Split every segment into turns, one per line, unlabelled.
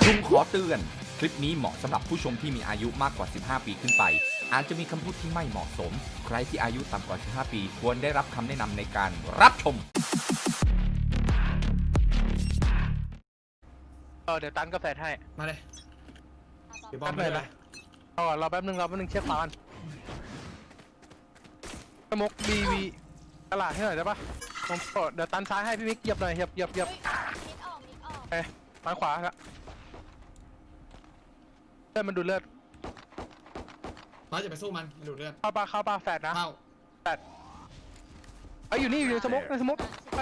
ลุงขอเตือนคลิปนี้เหมาะสำหรับผู้ชมที่มีอายุมากกว่า 15 ปีขึ้นไปอาจจะมีคำพูดที่ไม่เหมาะสมใครที่อายุต่ำกว่า 15 ปีควรได้รับคำแนะนำในการรับชม
เดี๋ยวตันกาแฟให้
มาเลยเดี๋ยวบอ
แป๊
ม
บ
เล
เลย ยนะรอแป๊บนึงเช็คก่อนสมกบีตลาดให้หน่อยได้ปะผมเดี๋ยวตันซ้ายให้พี่มิกเหยียบหน่อยเหยียบ
มิดออก
ตันขวาละเลือดมันดูดเลือด
มาจะไปสู้มันดูดเลือด
เข้าปลาแฟดนะ
เข้า
แฟดอยู่นี่อยู่ในสมกไป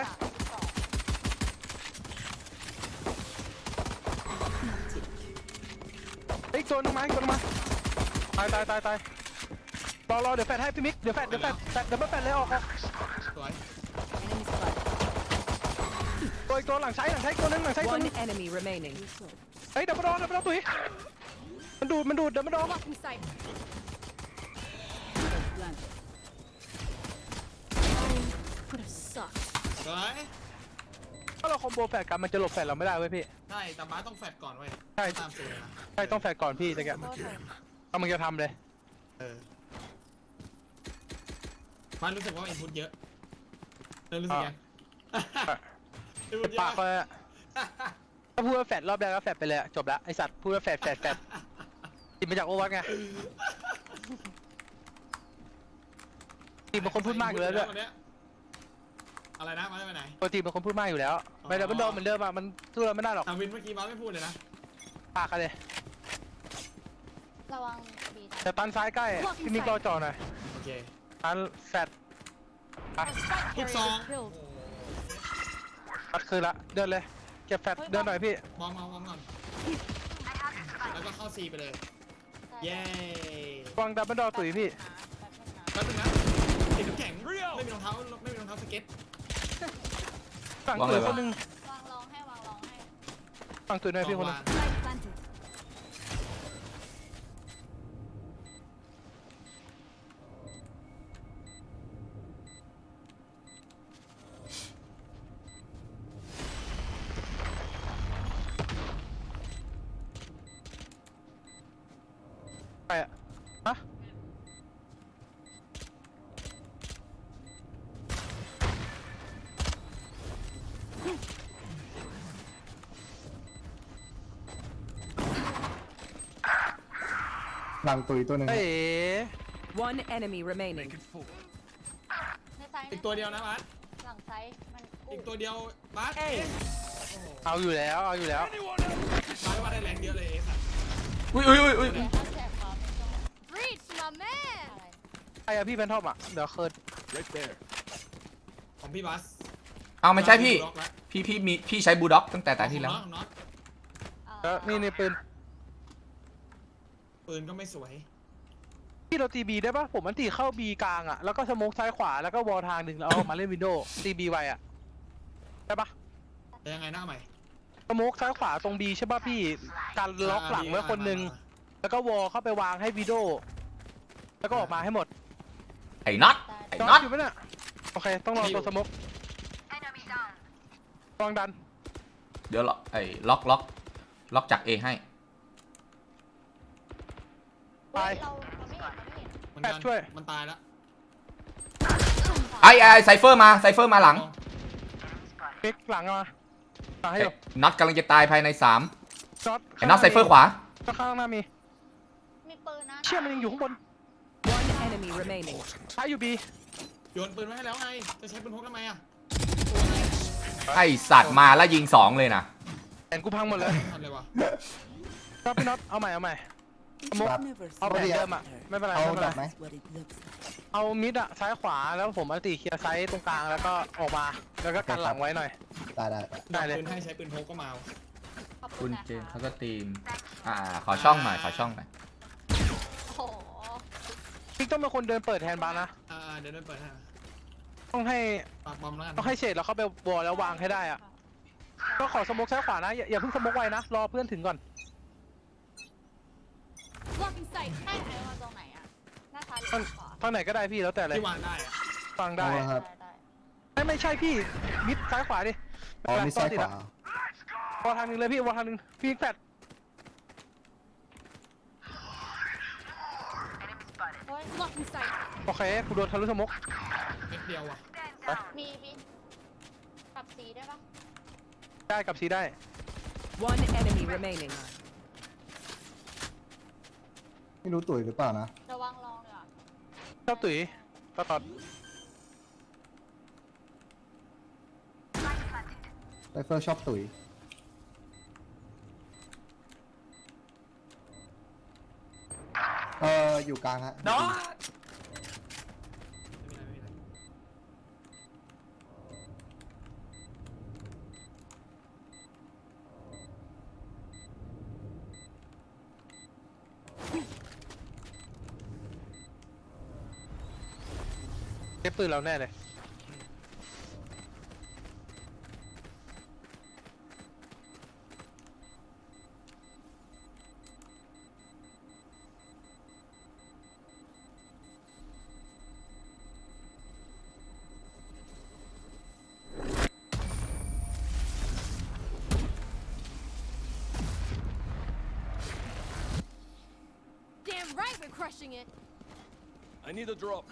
อีกตัวนึงมาตายรอเดี๋ยวแฟดให้พี่มิกเดี๋ยวแฟดเลยออก
สวย
ตัวหลังใช้ตัวนึง
One enemy remaining.
เฮ้ยดับเบิลดอตุ๋ยมันดูดดับเบิลดอป่ะ
Could have sucked.
สวย
ถ้าเราคอมโบแฟดกันมันจะหลบแฟดเราไม่ได้เว้ยพี่
ใช่แต่บ้าต้องแฟดก่อนเว้ย
ใช่
ตามสูตรนะ
ใช่ต้องแฟดก่อนพี่จะแกเอามึงจะทำเลย
บ้านรู้สึกว่าอินพุตเยอะรู้สึกยังอินพุตเย
ปาก
อะ
เลยถ้าพูดว่าแฟดรอบแรกก็แฟดไปเลยจบละไอสัตว์พูดว่าแฟดติดมาจากโอวัตไงติดเป็นคนพูดมากอยู่แล้วด้วย
อะไรนะมาได้ไปไหน
ปกติเป็นคนพูดมากอยู่แล้วไม่ดับเบิลดอเหมือนเดิมอ่ะมันสู้เราไม่ได้หรอก
วินเมื่อกี้บ้าไม่พูดเลยนะ
ปากกันเลย
ระวังบี
แต่ตันซ้ายใกล้พี่มิกรอจอหน่อย
โอเค
ตันแฟด
ทุกซอง
ตัดคืนละเดินเลยเก็บแฟดเดินหน่อยพี่
บอมก่อนแล้วก็เข้าซีไปเลยเย้
วางดับเบิลดอตุ๋ยพี่
แป๊บนึงนะติดน้ำแข็งไม่มีรองเท้าสเก็ต
ฝั่งตุ๋ยคนนึง
วางรองให้
ฝั่งตุ๋ยหน่อยพี่คนนึง
Light planted.
ใครอะฮะ
หลังตุยตัวหนึ่ง
เอ๋
One enemy remaining.
ในซ้าย
อีกตัวเดียวนะบัส
หลังซ้ายมัน
อีกตัวเดียวบัส
เอาอยู่แล้ว
บัสว่าได้แรงเยอะเลยสัตว์
อุ้ย
เสียถ้าแสบคอไม่ต้อง Reach my man
ไอ้อะพี่แพนทอมอะเดี๋ยวเคิร์ด
ของพี่บัส
เอาไม่ใช่พี่ใช้บูลด็อกตั้งแต่แต่ที่แล้ว
ของน็อต
แล้วนี่ปืน
ปืนก็ไม่สวย
พี่เราตีบีได้ปะผมมันตีเข้าบีกลางอะแล้วก็สโมกซ้ายขวาแล้วก็วอลทางหนึ่งแล้วเอามาเล่นวินโดว์ตีบีไวอะได้ปะ
แต่ยังไงหน้าใหม่
สโมกซ้ายขวาตรงบีใช่ปะพี่การล็อกหลังไว้คนหนึ่งแล้วก็วอลเข้าไปวางให้วินโดว์แล้วก็ออกมาให้หมด
ไอ้น็อต
น็อตอยู่ไหมเนี่ยโอเคต้องรอตัวสโมกวางดัน
เดี๋ยวล็อกจาก A ให้
ตาย
เราไม่เห็น
มันกัน
ช่วย
มันตายแล้ว
ไอ้ไซเฟอร์มาหลัง
พลิกหลังมาให้อยู่
น็อตกำลังจะตายภายใน3
น็อต
ไอ้น็อตไซเฟอร์ขวา
ข้างหน้ามี
มีปืนนะ
เชี่ยมันยังอยู่ข้างบน
One enemy remaining.
ใช้อยู่บี
โยนปืนไว้ให้แล้วไงจะใช้ปืนพกทำไมอ่ะ
ไอ้สัตว์มาแล้วยิง2เลยนะ
แขนกูพังหมดเลย
ทันเลยวะ
ครับพี่น็อตเอาใหม่สมกเอาไปเดิมอะไม่เป็นไร
เอา
ไม่เป็น
ดั
ไร
บไหม
เอามิดอะซ้ายขวาแล้วผมอัลติเคลียร์ไซส์ตรงกลางแล้วก็ออกมาแล้วก็กันหลังไว้หน่อย
ได้ได้
ได้เลย
ปืนให้ใช้ปืนพกก็มา
ขอบ
คุณ
นะ
เจนเขาก็ทีมขอช่องหน่อย
โอ้โห
พี่ต้องเป็นคนเดินเปิดแทนบาร์นะ
เดี๋ยวเดินเปิดให้
ต้องให้
ปากบอมแล้วกัน
ต้องให้เฉดแล้วเข้าไปวอลแล้ววางให้ได้อะก็ขอสมกซ้ายขวานะอย่าเพิ่งสมกไวนะรอเพื่อนถึงก่อน
Blocking sight ให้ไอ้มาตรงไหนอะหน้าซ้ายหรือขวา
ทางไหนก็ได้พี่แล้วแต่เลย
ที่วางได้อะ
ฟังได้
เอาละครับ
ได้
ไม่ใช่พี่มิดซ้ายขวาดิ
อ๋อมีซ้ายขวา
วอลทางหนึงเลยพี่วอลทางหนึงพี่แฟด
โอ้ย
Blocking sight.
โอเคกูโดนทะลุสโมก
เม็ดเดียวว่ะ
มีกับสีได้ปะ
ได้กับซีได้
One enemy remaining.
ไม่รู้ตุ๋ยหรือเปล่านะ
ระวังลองเลยอ่ะ
ชอบตุ๋ยตลอด
ไซเฟอร์ชอบตุ๋ยอยู่กลางฮะ
น็อต
ไม่มีอะไรไม่มีอะไร
เก็บปืนเราแน่เลย
Damn right we're crushing it.
I need a drop.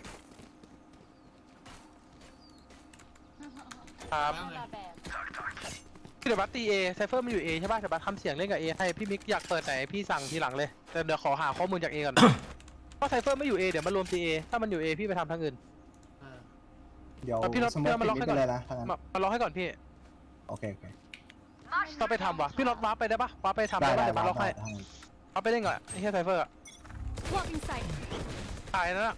ครับ
คนละแบบ
พี่เดี๋ยวบัสตีเอไซเฟอร์มันอยู่เอใช่ป่ะเดี๋ยวบัสทำเสียงเล่นกับเอให้พี่มิกอยากเปิดไหนพี่สั่งทีหลังเลยแต่เดี๋ยวขอหาข้อมูลจากเอก่อน เพราะไซเฟอร์ไม่อยู่เอเดี๋ยวมันรวมตีเอถ้ามันอยู่เอพี่ไปทำทางอื่น
อ่า
เดี๋ยว
พี่น็อต
สมม
พี่
ติ
น็อตมาล็อก
ปิด
ให้
ไม่
ก่อน
เป็นไรนะทางนั้น
มาล็อกให้ก่อนพี่
โอเคโอเค
ต้องไปทำว่ะพี่น็อตวาร์ปไปได้ปะวาร์ปไปทำ
ได้
ได้
ได้
ปะเดี๋ยวบัสล็อกให้
ทางนั้น
วาร์ปไปเล่นก่อนไอ้เหี้ยไซเฟอร์อะ
Blocking sight.
ตายนั่นอะ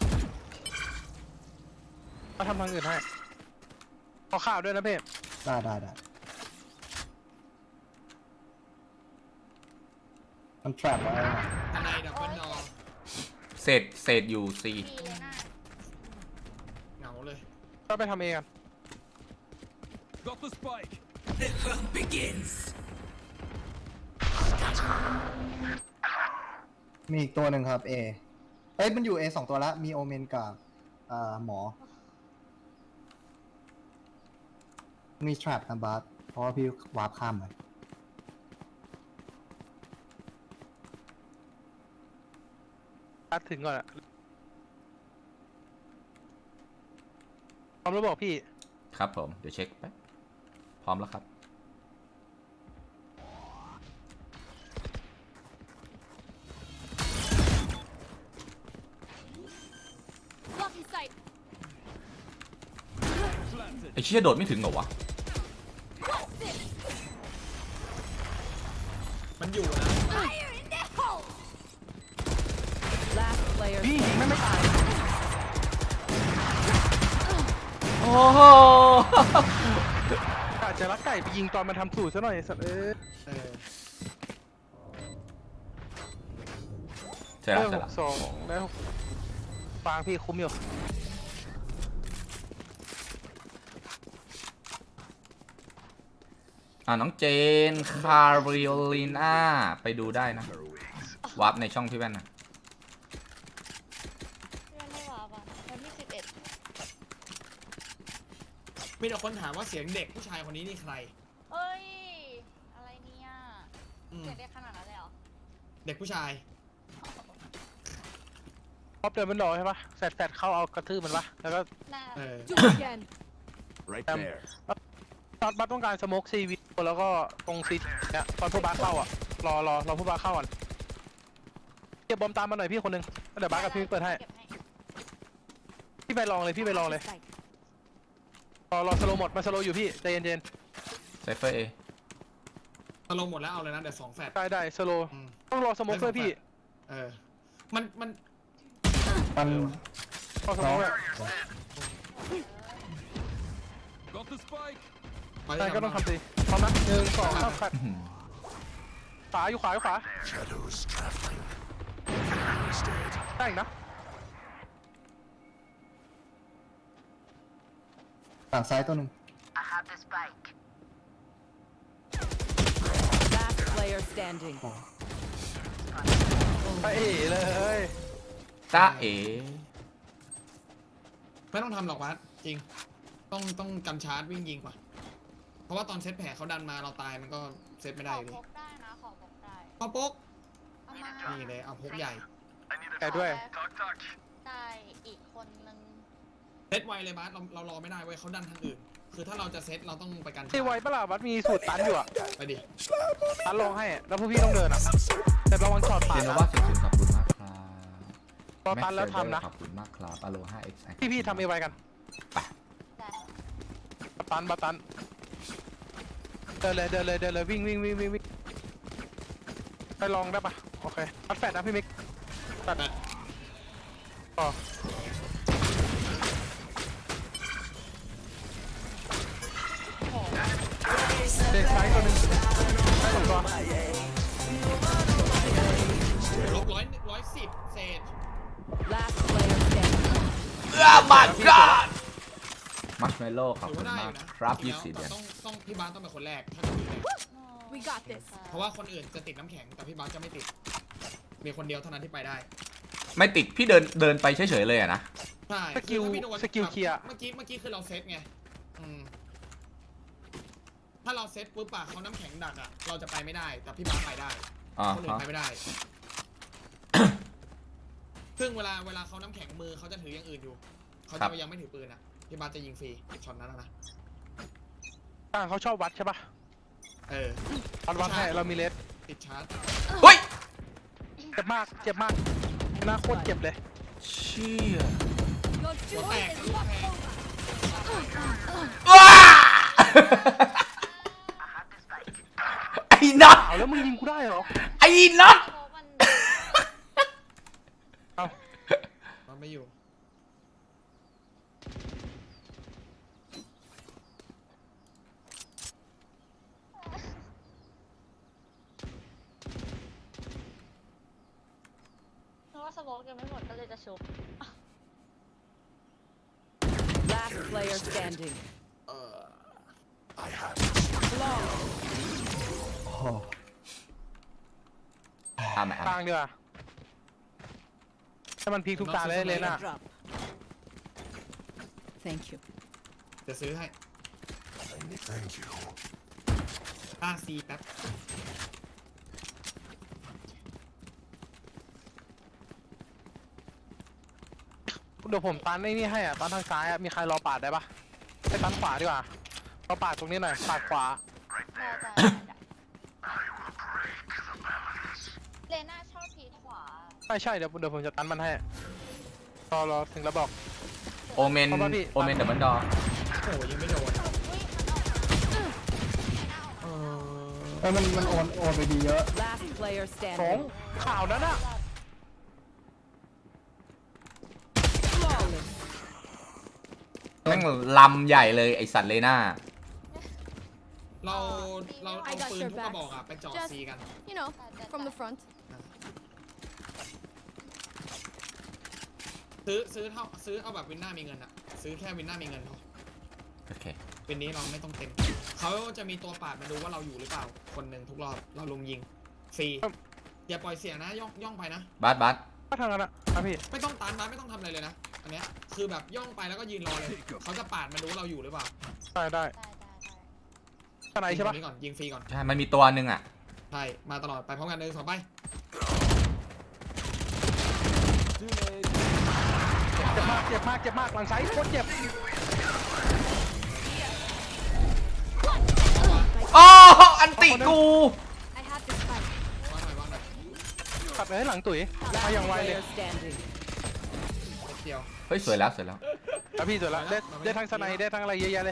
มาทำทางอื่นให้ขอข่าวด้วยนะเพ่
ได้ได้ได้มันแทรปไว้นะ
ทนายดับเบิลนอ
เศษอยู่ C
มีเลยน่า
เหงาเลย
ก็ไปทำเองกัน
Got the spike.
มีอีกตัวหนึ่งครับเอ้ยมันอยู่ A 2 ตัวละมีโอเมนกับหมอ มีแทรปนะบาสเพราะว่าพี่วาร์ปข้ามไป
บัสถึงก่อนอะพร้อมแล้วบอกพี่
ครับผม เดี๋ยวเช็คไปพร้อมแล้วครับ
Blocking sight.
ไอ้เชี่ยโดดไม่ถึงเหรอวะ
มันอยู่นะ
Fire in the hole.
Last player
พี่ยิง
standing.
ไม่ตาย
โอ้โห
อาจจะรักไก่ไปยิงตอนมันทำสูตรซะหน่อยสัตว์
เออ
เสร็จแล้วเสร็จ
ห
แล้ว
กสองแล้วฟางพี่คุ้มอยู่
น้องเจน คาร์ริโอลิน่า ไปดูได้นะ วาร์ปในช่องพี่แว่นนะ
เพื่อนไม่หวาบอ่ะวันที่11
มีแต่คนถามว่าเสียงเด็กผู้ชายคนนี้นี่ใคร
เอ้ย อะไรเนี่ย
อืม
เสียได้ขนาดนั้นเลยเหรอ
เด็กผู้ชาย
พอเดินมันรอใช่ปะแฟดเข้าเอากระทืบมันปะแล้วก็
น่า
เออ
Do it again.
Right
Um,
there.
บัสต้องการสโมกซีวีแล้วก็ตรงซีเนี่ยตอนผู้บัสเข้าอ่ะรอผู้บัสเข้าก่อนเก็บบอมตามมาหน่อยพี่คนหนึงแล้วเดี๋ยวบัสกับพี่เปิดให้
เก็บให้
พี่ไปลองเลยพี่ไปลองเลย
Sight.
รอสโลหมดมาสโลอยู่พี่ใจเย็น
ไซเฟอร์เอ
ตกลงหมดแล้วเอาเลยนะเดี๋ยว2แฟด
ๆได้สโล
อืม
ต้องรอสโมกด้วยพี่
เออ มัน
มัน
รอสโมกด้วย
Got the spike.
ไป
ใช่
ที่
ก็ต้อง
ทำ
ทำสิพร้อมนะ1 2 3ขัดขวาอยู่ขวาได้อีกนะ
ฝั่งซ้ายตัวหนึ่ง
Last player standing.
ไปเอ๋เลย
จ้าเอ๋
ไม่ต้องทำหรอกวัดจริง ต้องกำชาร์จวิ่งยิงกว่า เพราะว่าตอนเซตแผลเขาดันมาเราตายมันก็เซตไม่
ข
ได้
อ
อยู่ดี
พกได้นะ ขอพกได้
เอาโป๊ก
เอามา
นี่เลยเอาพกใหญ่
แอใจด้วย
ได้อีกคนนึง
เซตไวเลยบาสเรารอไม่ได้เว้ยเขาดันทางอื่น คือถ้าเราจะเซตเราต้องไปกัน
ตีไวปะล่ะบัสมีสูตรตันอยู่อะ
ไปดิ
ตันลงให้อะแล้วพวกพี่ต้องเดินอะแต่ระวังช็อต
เจ
ปาด
น
นะ
ว่า00ขอบคุณมากครับ
รอตันแล้วทำนะ
ขอบคุณมากครับอโล 5x
พี่ทำเอไวกัน
แต่
บัตตันเดินเลยวิ่งไปลองได้ปะโอเคอัดแฟดนะพี่มิกแฟดอ๋อเด็กซ้ายตัวหนึงได้สองตัว
ลบ110เศษ
Last player standing.
บัตรกันมัชเมลโล่ขอบ
ถือ
คุ
ว่า
ณ
ได้อ
มาก
ยู่นะ
ครับ
จริง
20
แล้ว
เดือน
ต้องพี่บาสต้องเป็นคนแรกถ้าจะมีเลย
We got this
เพราะว่าคนอื่นจะติดน้ำแข็งแต่พี่บาสจะไม่ติด มีคนเดียวเท่านั้นที่ไปได้
ไม่ติดพี่เดินไปเฉยๆเลยอะนะ
ใช่
สกิล
คือถ้าพี่โดน
สกิลเคลียร์
เมื่อกี้คือเราเซตไงอืมถ้าเราเซตปุ๊บอะเขาน้ำแข็งดักอะเราจะไปไม่ได้ แต่พี่บาสไปได้
อ่า
คนอื่
ฮะ
นไปไม่ได้ ซึ่งเวลาเขาน้ำแข็งมือเขาจะถืออย่างอื่นอยู่ เขาจะยังไม่ถือปืนอะพี่บาสจะยิงฟรีช็อตนั้นนะ
ต่างเขาชอบวัดใช่ปะ
เออ
วัดให้เรามีเลส
ติดชาร์จ
เฮ้ย
เจ็บมากหน้าโคตรเจ็บเลย
เชี่ย
Your
หัว
duty
แตก
is
ลูกแพง
ว้าไอ้น็อต
เอาแล้วมึงยิงกูได้เหรอ
ไอ้น็อต
เพราะมัน
เอา
มันไม่อยู่
เพราะว่าสโมกยังไม่หมดก็เลยจะชุบ
Last player standing.
โอ้โห
อ่ะไหม
กลางดีกว่าถ้ามันพีคทุกตาเลยน่ะ
Drop. Thank you.
จะซื้อให้ซีแป๊บ
เดี๋ยวผมตันไอ้นี่ให้อ่ะตันทางซ้ายอ่ะมีใครรอปาดได้ปะไปตันขวาดีกว่ารอปาดตรงนี้หน่อยปาดขวา
เลน่าชอบพีขวา
ใช่เดี๋ยวผมจะตันมันให้รอถึงแล้วบอก
โอเมนดับเบิลดอ
โอ้ยยังไม่โดน
มันโอนไปดีเยอะ
Last player
สอง
standing.
ข่าวนั้นอ่ะ
Flawless.
แม่งลำใหญ่เลยไอสัตว์เลน่า
เราเอาปืนทุกกระบอกอะไปจ่อซีกัน
You know, from the front.
ซื้อเอาแบบวินหน้ามีเงินอะซื้อแค่วินหน้ามีเงินพอ
โอเค
เป็นนี้เราไม่ต้องเต็มเขาจะมีตัวปาดมาดูว่าเราอยู่หรือเปล่าคนหนึ่งทุกรอบเราลุมยิงฟรีอย่าปล่อยเสียนะย่องไปนะ
บัส
ก็ทางนั้นอ่ะพี่
ไม่ต้องตันนะไม่ต้องทำอะไรเลยนะอันเนี้ยคือแบบย่องไปแล้วก็ยืนรอเลยเขาจะปาดมาดูว่าเราอยู่หรือเปล่า
ได้ข้างในใช่ปะ
ยิงคนนี้ก่อนยิงฟรีก่อน
ใช่ มันมีตัวหนึ่งอ่ะ
ใช่มาตลอดไปพร้อมกัน1 2ไป
เจ็บมากหลังซ้ายโคตรเจ็บ
โอ้อันติกู
I have this fight.
วางหน่อย
ตัดไปให้หลังตุ๋ยมาอย่างไวเลย
Player standing.
นิดเดียว
เฮ้ย สวยแล้ว
แล้วพี่สวยละได้ทั้งสไนได้ทั้งอะไรเยอะแยะเลย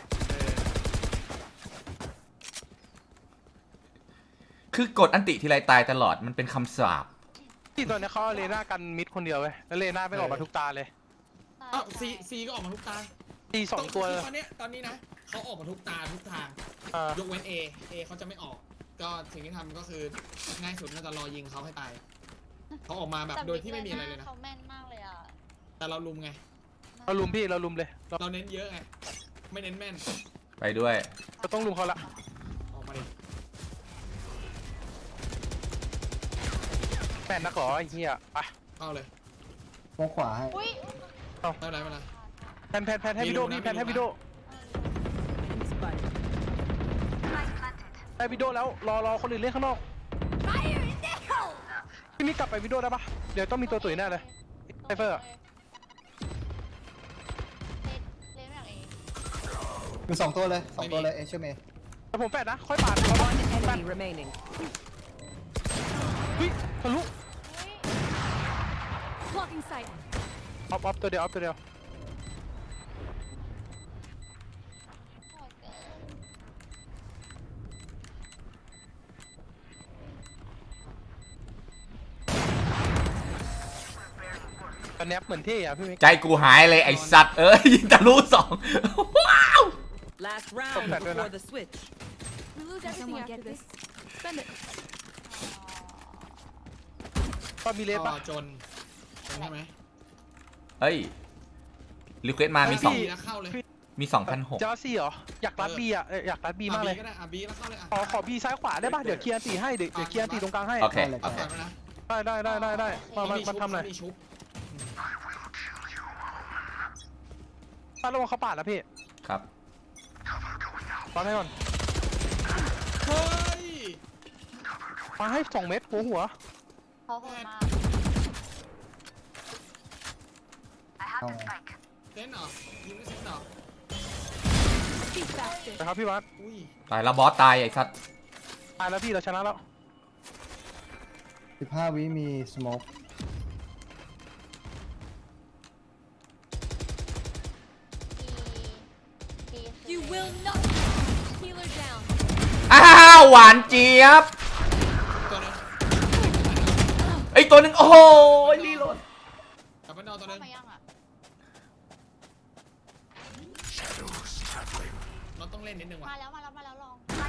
คือกดอันติทีไรตายตลอด มันเป็นคำสาป
ที่ตอนนี้เขาเอาเลน่ากันมิดคนเดียวเว้ยแล้วเลน่าไม่ออกมาทุกตาเลย
อ้าวซีก็ออกมาทุกตา
ตีสองตัว
ตอนนี้นะเขาออกมาทุกตาทุกทาง ยกเว้น A เขาจะไม่ออก ก็สิ่งที่ทำก็คือง่ายสุดน่าจะรอยิงเขาให้ตายเขาออกมาแบบโดยที่ไม่มีอะไรเลยนะ
เขาแม่นมากเลยอ่ะ
แต่เราลุมไง
เราลุมพี่เราลุมเลย
เราเน้นเยอะไงไม่เน้นแม่น
ไปด้วย
เราต้องลุมเขาละ
ออกมาดิ
แม่นนักเหรอไอ้เหี้ยไป
เข้าเลย
โค้งขวาให้
อุ้ย
ไม่เป็นไรไม่เป็นไร
แพนให้วิดีโอพี่แพนให้วิดีโอ
Spike.
ให้วิดีโอแล้วรอคนอื่นเล่นข้างนอก
Fire in the hole!
พี่มิกกลับไปวิดีโอได้ปะเดี๋ยวต้องมีตัวตุ๋ยแน่เลย ไซเฟอร์อะ
เล่นแบบเอง
มี2ตัวเลย2ตัวเลยเอเชียเมย์
แต่ผมแปดนะค่อยปาด
One enemy remaining.
เฮ้ยทะลุ
Blocking sight.
ออฟตัวเดียวออฟตัวเดียว
โหดเกิน
ตอนแนบเหมือนเท่อะพี่มิก
ใจกูหายเลยไอสัตว์เอ้ยยิงทะลุ2ว้าว
Last round
that
before
one.
the switch.
We lose everything after this. Spend it.
ก็มีเลส
ก็
ปะ
จนใช่ไหม
เฮ้ยรีเควสมามี
บีแล้วเข้าเลย
มี 2,600
เจ้าซี่เหรออยากรัดบีอะอยากรัดบีมากเลย
ก็ได้บีแล้วเข้าเลยอ่ะ
ขอบีซ้ายขวาได้ปะเดี๋ยวเคลียร์ตีให้เดี๋ยวเคลียร์ตีตรงกลางให้
โอเค
ได้เลย
เอาก่อนนะ
ได้มาทำหน่อย
มีชุบ
ถ้าระวังเขาปาดนะพี่
ครับ
ปาดให้ก่อน
เฮ้ย
ปาให้2 เม็ดหัว
เขาโหดมาก
เอาไง
เล่นเหรอยิงไม่เสร็จเหรอ
Speak faster.
นะครับพี่วัด
อุ้ย
ตายแล้วบอสตายไอ้สัตว์
ตายแล้วพี่เราชนะแล้ว
15 วิมีสโมก
ดีคือ
You will not. Healer down.
อ้าวหวานเจี๊ยบ
ตัวนึง
ไอยตัวหนึ่งโอ้โหรีโหลด
กลับไปนอนตัวนึง
เข้ามายังอ่ะ
เราต้องเล่นนิดนึงว่ะ
มาแล้วลอง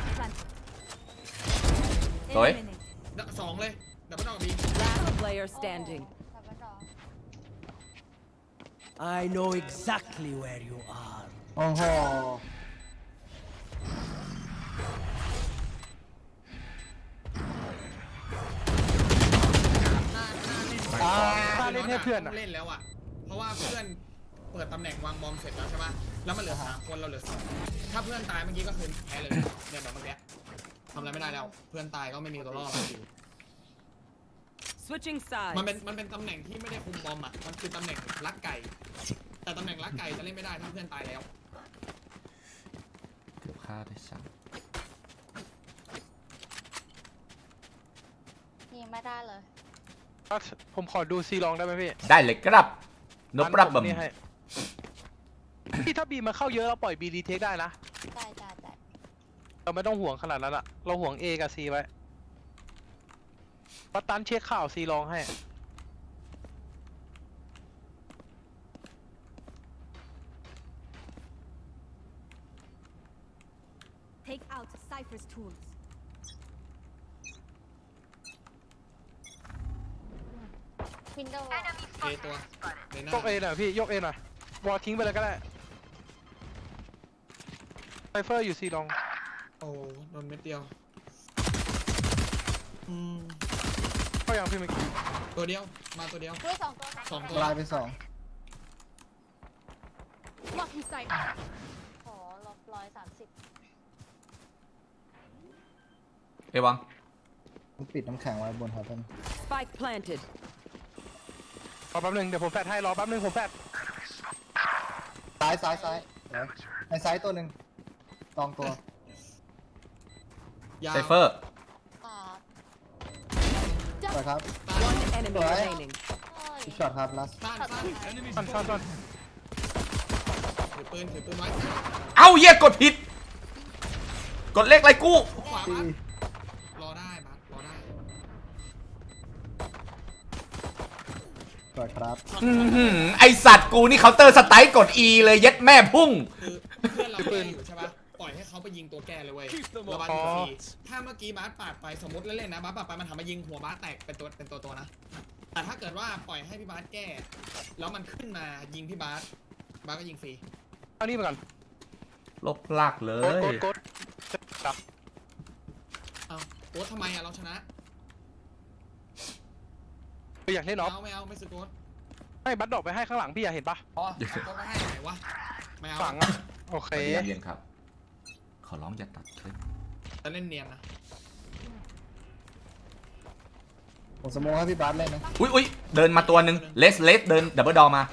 สวย
2เลยดับเบิลดอกบี
Last player standing.
ดับเบิลดอก
I know exactly where you are.
โอ้โห
ถ้าเล่นให้เพื่อน
ต้
อะ
งเล่นแล้วอ่ะเพราะว่าเพื่อนเปิดตำแหน่งวางบอมเสร็จแล้วใช่ป่ะแล้วมันเหลือ3คนเราเหลือ2ถ้าเพื่อนตายเมื่อกี้ก็คือแพ้เลยเนี่ยแบบเมื่อกี้ทำอะไรไม่ได้แล้วเพื่อนตายก็ไม่มีตัวรอดแล้ว
Switching
มัน
sides.
เป็นตำแหน่งที่ไม่ได้คุมบอมอ่ะ มันคือตำแหน่งลักไก่ แต่ตำแหน่งลักไก่จะเล่นไม่ได้ถ้าเพื่อนตายแล้ว
เกือบฆ่าได้ซ้
ยิงไม่ได้เลย
ผมขอดูซีลองได้ไหมพี่
ำได้เลยครับนบรับ
ผ
บัม
มนี่ให้พี่ถ้าบีมันเข้าเยอะเราปล่อยบีรีเทคได้นะ
ได้
เราไม่ต้องห่วงขนาดนั้นอะเราห่วง A กับ C ไว้ปัตตันเช็คข่าว C ลองให้
Take out Cypher's tools.
วินโดว์
เอตัวเลน่าย
ก A หน่อยพี่ยก A หน่อย วอลทิ้งไปเลยก็ได้ไซเฟอร์อยู่ C ลอง
โอ้โดนเม็ดเดียวม
เข้ายังพี่มิก
ตัวเดียว มาตัวเดียว
ด้วย2 ตัว
2 ตัว
ลายไป2
Blocking sight.
โหลบ130
เอวัง
ผมปิดน้ำแข็งไว้บนฮอตเทน
Spike planted.
รอแป๊บนึงเดี๋ยวผมแฟดให้รอแป๊บนึงผมแฟด
ซ้ายเดี๋ยวไอ้ซ้ายตัวหนึ่งลองตัว
ยาว
ไซเฟอร์
อ่า
สวยครับ
One enemy
Right.
remaining.
เฮ้ย
อีกช็อตครับลัส
สั้น
Enemy
ซ่อน
spotted.
ถือปืนไว้
เอ้าเหี้ยกดผิด กดเลขไรกู้
ขวา
ตี
บัสรอได้บัสรอได้
สวยครับ
อื้อหือไอสัตว์กูนี่เคาน์เตอร์สไตล์กด E เลยเย็ดแม่พุ่ง
คือเพื่อนเราแก้อยู่ใช่ปะปล่อยให้เขาไปยิงตัวแก้เลยเว้ยแล้วบัสยิงฟรีถ้าเมื่อกี้บัสปาดไปสมมติเล่นๆนะบัสปาดไปมันทำมายิงหัวบัสแตกเป็นตัวนะ แต่ถ้าเกิดว่าปล่อยให้พี่บัสแก้ แล้วมันขึ้นมายิงพี่บัสก็ยิงฟรี
เอานี่ไปก่อน
ลบลากเล
กด
ย
จับ
เอาโค้ดทำไมอะเราชนะ
ไปอยากเล่นออฟ
ไม่เอาไม่ซื้อโค้ด
ให้บัตดอกไปให้ข้างหลังพี่อยากเห็นปะ
อ๋อโค้ดไม่ให้ไหนวะไม่เอา
ฝังอะโอเค
เรียนครับ ขอร้องอย่าตัดคลิป
จะเล่นเนียนนะ
ผมสโมองให้พี่บาสเล่นนะ
อุ้ยเดินมาตัวหนึ่งเลสเดินดับเบิลดอมา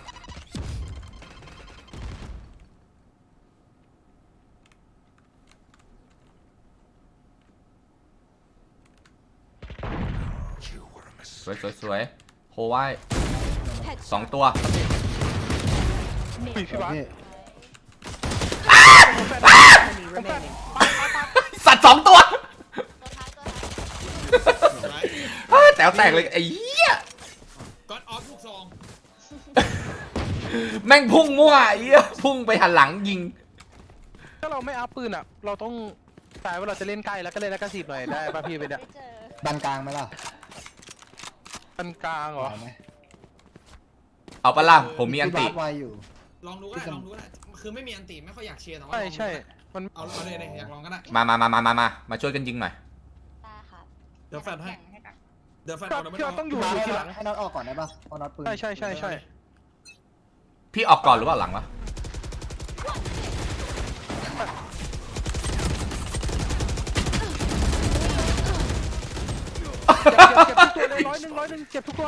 สวยโฮไว้สองตัว
พี่บาส
พี่
Enemy remaining.
สัตว์สองตัว
ตัวท้ายตัวท้าย
ไว้
แต๋วแตกเลยไอ้เหี้ย
ก็อดออฟลูกซอง
แม่งพุ่งมั่วไอ้เหี้ยพุ่งไปหันหลังยิง
ถ้าเราไม่อัพปืนอ่ะเราต้องตายว่าเราจะเล่นใกล้แล้วก็เล่นแล้วก็สีบหน่อยได้ป่ะพี่เป็นเนี่ย
ไม่เจอ
ดันกลางไหมล่ะ
ปันกลางเหรอ
ไหวไหม
เอาปะล่ะผมมีอันติ
พี่บาสไวอยู่
ลองดูก็ได้ลองดูก็ได้คือไม่มีอันติไม่ค่อยอยากเชียร์แต่ว่า
ใช่
ลองดูก็ได้
มัน
เอาเลยอยากลองก็ได้
มาช่วยกันยิงหน่อย
ได้ครับ
เดี๋ยวแฟนให้
แข่งกับ
เดี๋ยวแฟน
ก็
เอา
พี่ว่าต้องอยู่
พี่บาส
ทีหลัง
ให้น็อตออกก่อนได้ปะเพราะน็อตปืน
ใช่
พี่ออกก่อนหรือว่าหลังวะ
เจ็บทุกตัวเลย100เจ็บทุกตัว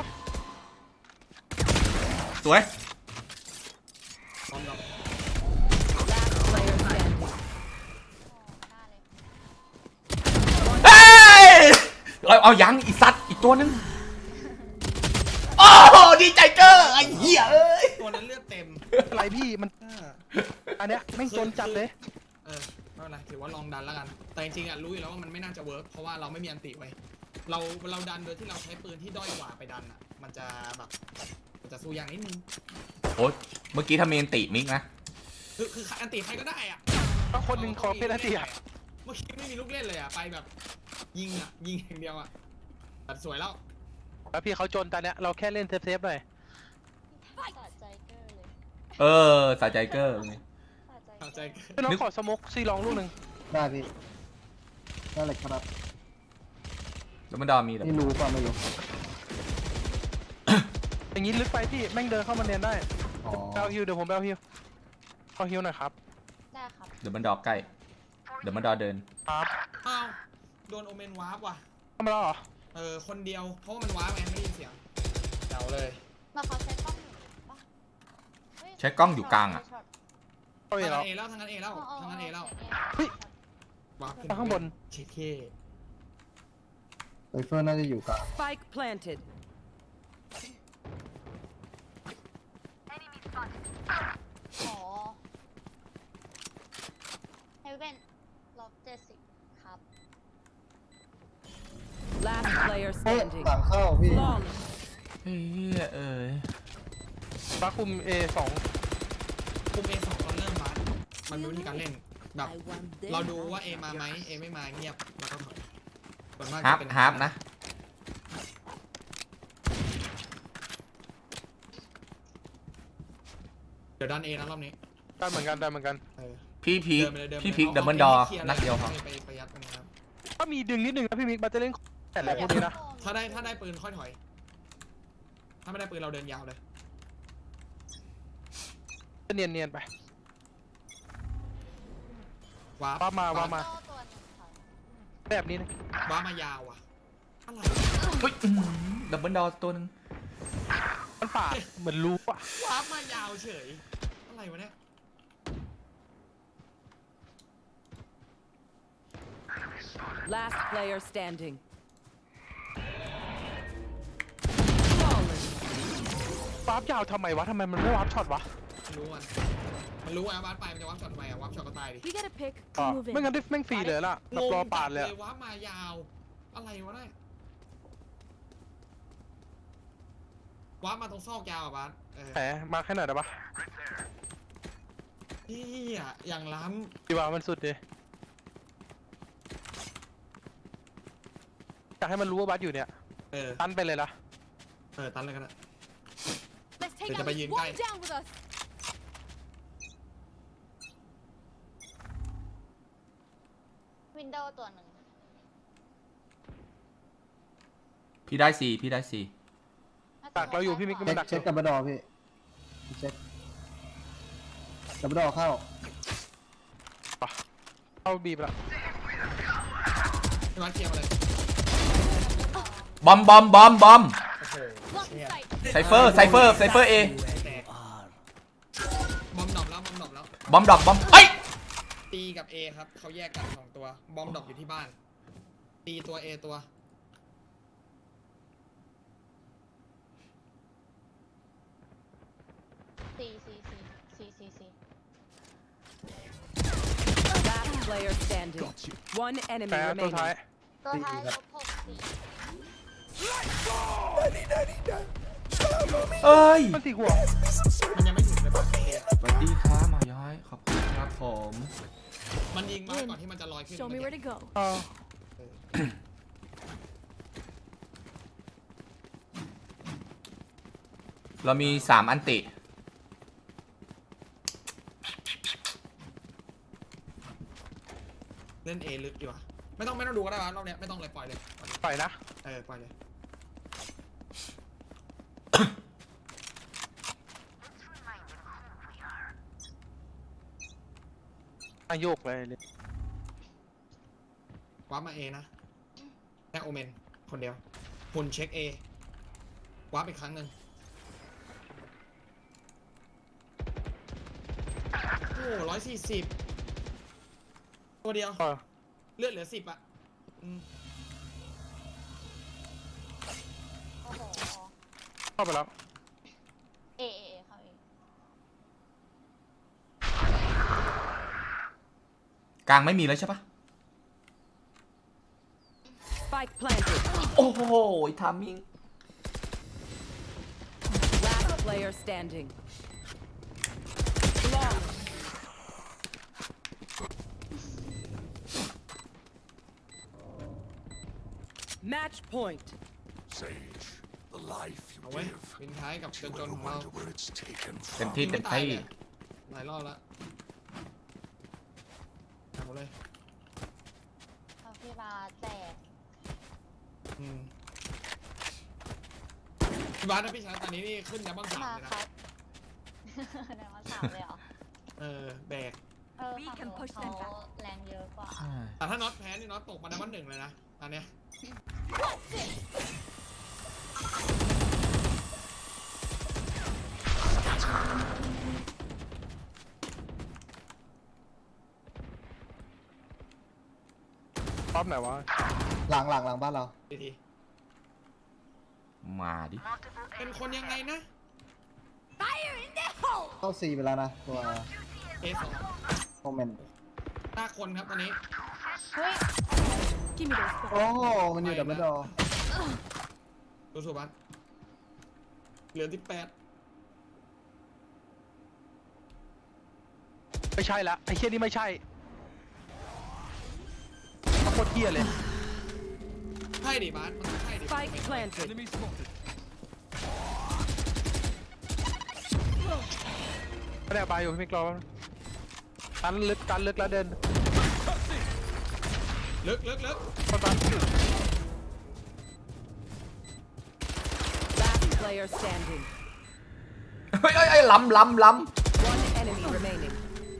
สวย
พร้อมกับ
Last player standing.
หน้าเลย
เฮ้ยเอายังอีสัตว์อีกตัวนึงโอ้ดีใจเกอร์ไอ้เหี้ยเอ้ย
ตัวนั้นเลือดเต็ม
อะไรพี่มันอันเนี้ยไม่งจนจัดเลย
ไม่เป็นไรถือว่าลองดันแล้วกัน แต่จริงๆอ่ะรู้อยู่แล้วว่ามันไม่น่าจะเวิร์กเพราะว่าเราไม่มีอันติไว้เราดันโดยที่เราใช้ปืนที่ด้อยกว่าไปดันอ่ะมันจะแบบมันจะสู้ยากนิดนึง
โอ้ยเมื่อกี้ทำเมนติมิกนะ
คืออันติใครก็ได้อ่ะ
ก็คนหนึ่งขอเพชรเดีย
เมื่อกี้ไม่มีลูกเล่นเลยอ่ะไปแบบยิงอย่างเดียวอ่ะแต่สวยแล้ว
แล้วพี่เขาจนตอนเนี้ยเราแค่เล่นเซฟๆหน่อย
สะใจเกอร์เลย
เออสะใจเกอร์
สะใจ
เข้าใจ
พี่น้องขอสโมกซีลองลูกหนึ่ง
ได้พี่นั่นแหละครับ
แล้วมันดอมีเหรอ
นี่รู้ป่ะไม่รู้
อย่างนี้ลึกไปพี่แม่งเดินเข้ามาเนียนได้
อ๋อ
เอาฮิวเดี๋ยวผมเอาฮิวเอาฮิวหน่อยครับ
ได้ครับ
เดี๋ยวมันดอใกล้เดี๋ยวมันดอเดิน
ครับ
อ้าวโดนโอเมนวาร์ปว่ะ
ทำมาแล้วเหรอ
คนเดียวเพราะว่ามันวาร์ปไงไม่ได้ยินเสียงเดาเลย
มาเขาใช้กล้องอยู่ปะฮ้ย
ใช้กล้องอยู่กลางอะ
ช็ต
เอาอีก
ทาง
แล้ว
เอแล้วทางนั้นเอแล้ว
อ๋อ
ทางนั้นเอแล้ว
เฮ้ย
วาร์ปขึ้น
ข้างบน
เชคเค
ไซเฟอร์น่าจะอยู่กลาง
Spike planted.
อ๋อเฮเว่นล็อก70ครับ
Last player
เฮ้ย
standing.
หลังเข้าพี่
Flawless.
เฮ้ยเอ้ย
บาคุม A2
คุม A2 ตอนเริ่มมาร์มันเป็นวิธีการเล่นแบบ
I want them.
เราดูว่า A มาไหม A ไม่มาเงียบแล้วก็ถอยส่วนมาก
ฮาร์
จะ
ป
เป็น
ฮาร์ปนะ
เดี๋ยวดัน A นะรอบนี้
ได้เหมือนกัน
เออ
พี่พีค
เดินไปเลยเดินไป
พี่
เลย
พีค
อา
ดับเบิลดอ
คลีร์
นัดเดียวพอ
ไปยัดตรงนี้ครับ
ถ้ามีดึงนิดนึงนะพี่มิกมันจะเล่นแต่แหละพวกนี้นะ
ถ้าได้ปืนค่อยถอย ถ้าไม่ได้ปืนเราเดินยาวเลย
จะเนียนๆไป
วาร์ป
ว่ามา
โต้ตัวหนึงค่ะ
แบบนี้นะ
วาร์ปมายาวอ่ะอะไร
เฮ้ยดับเบิลดอตัวหนึง
มันป่าดเหมือนรู้อะ
วาร์ปมายาวเฉยอะไรวะเนี่ย
Last player standing. Flawless.
วาร์ปยาวทำไมวะทำไมมันไม่วาร์ปช็อตวะ
มันรู้อ่ะวาร์ปไปมันจะวาร์ปช็อตทำไมอ่ะวาร์ปช็อตก็ตายดิ
You get a pick.
อ๋อ
Move
ไม่
in.
งั้นดิแม่งฟรีเลยล่ะแบบรอปาดเลยอะ
วาร์ปมายาวอะไรวะเนี่ยวาร์ปมาตรงซอกยาวอ่ะบาส
แหมมาแค่ไหนอยได้ปะ
พี่อ่ะอย่างล้
ดีว่ามันสุดดิอยากให้มันรู้ว่าบัสอยู่เนี่ย
ำ
ตันไปเลยนะ
ตันเลยกันนะ
Let's take
Thì
out
cho bay
this
nhìn
one
cái.
down with us.
วินโดว์ตัวหนึ่ง
พี่ได้สี่พี่ได้สี่
ดักเราอยู่พี่มิกก็
เช็
มา
ค
ดัก
เช็คดับเบิลดอพี่เช็คดับเบิลดอเข้า
เข้าบีบละ
พี่มาร์คเคลียร์มาเลย
บอม
โอ้โห
Blocking
เนี่ย
sight.
ไซเฟอร์เอ
แตกบอมดรอปแล้วบอมดรอปแล้ว
บอมดรอปบอมเอ้ย
ตีกับ A ครับเขาแยกกันสองตัวบอมดรอปอยู่ที่บ้านตีตัว A ตัว
ซี
Last player standing. One enemy
แต่ตัวท้าย
remaining.
ตัวท้ายลบ6 4
เอ้ย
มันตีหัว
มันยังไม่ถึงเลยป่ะ A
สวัสดีครับหมาย้อยขอบคุณครับผม
มันยิงมาก่อนที่มันจะลอยขึ้น
Show me where to go.
เออ
เรามี3อันติ
เล่น A ลึกดีกว่าไม่ต้องดูก็ได้วะรอบเนี้ยไม่ต้องเลยปล่อยเลย
ปล่อยนะ
ปล่อยเลย
อาโยกเลย
วาร์ปมา A นะแค่โอเมนคนเดียวหุ่นเช็ค A วาร์ปอีกครั้งหนึ่งโอ้140ตัวเดียว
เออ
เลือดเหลือ10อ่ะอืม
โอ้โห
เข้าไปแล้ว
เอเขาเอง
กลางไม่มีแล้วใช่ปะ
Spike planted.
โอ้โหทามิ่ง
Last player standing. Long. Match point.
Sage, the life
เอาไว้ปินท้ายกับจนของเรา
where it's taken
เต็ม
from.
ที่เต็มที่
หลายรอบแล้วเอาเลย
เอาพี่บาสแตก
พี่บาสนะพี่ชายตอนนี้นี่ขึ้นยับบ้างสาม
มา
เลย
ค
นะ
รับเดี๋ยวมา3เลยเหรอ
แบก
ฝั่งโน้นเขาแรงเยอะกว่า
แต่ถ้าน็อตแพ้นี่น็อตตกมาดับเบิล1เลยนะตอนเนี้ย
รอบไหนวะ
หลังบ้านเรา
ที
มาดิ
เป็นคนยังไงนะ
Fire in the hole.
เข้า C ไปแล้วนะ ตัว
A2
โมเมนต์
5 คนครับตอนนี้
เฮ้ย
Give me those.
โอ้มันอยู่ดับเบิลดอ
ดูสุบัสเหลือ18
ไม่ใช่ละไอ้เชี่ยนี่ไม่ใช่โคตรเที่ยเลย
ใช่ดิบาสมันต้องใช่ดิ
Spike planted.
Enemy spotted.
ไม่ได้ไปอยู่พี่กรอบตันลึกแล้วเดิน
ลึก
เข้าตัน
Last player standing.
เฮ้ยล้ำ
One enemy remaining.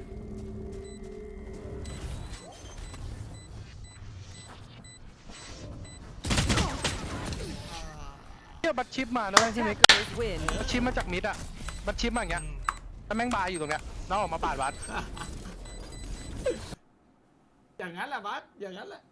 เที่ยบัตชิปมานะพี่มิก
Attackers win.
บัตชิปมาจากมิดอะบัตชิปมาอย่างเงี้ยแล้วแม่งบายอยู่ตรงเนี้ยน้องออกมาปาดวัด
อย่างนั้นแหละบาสอย่างนั้นแหละ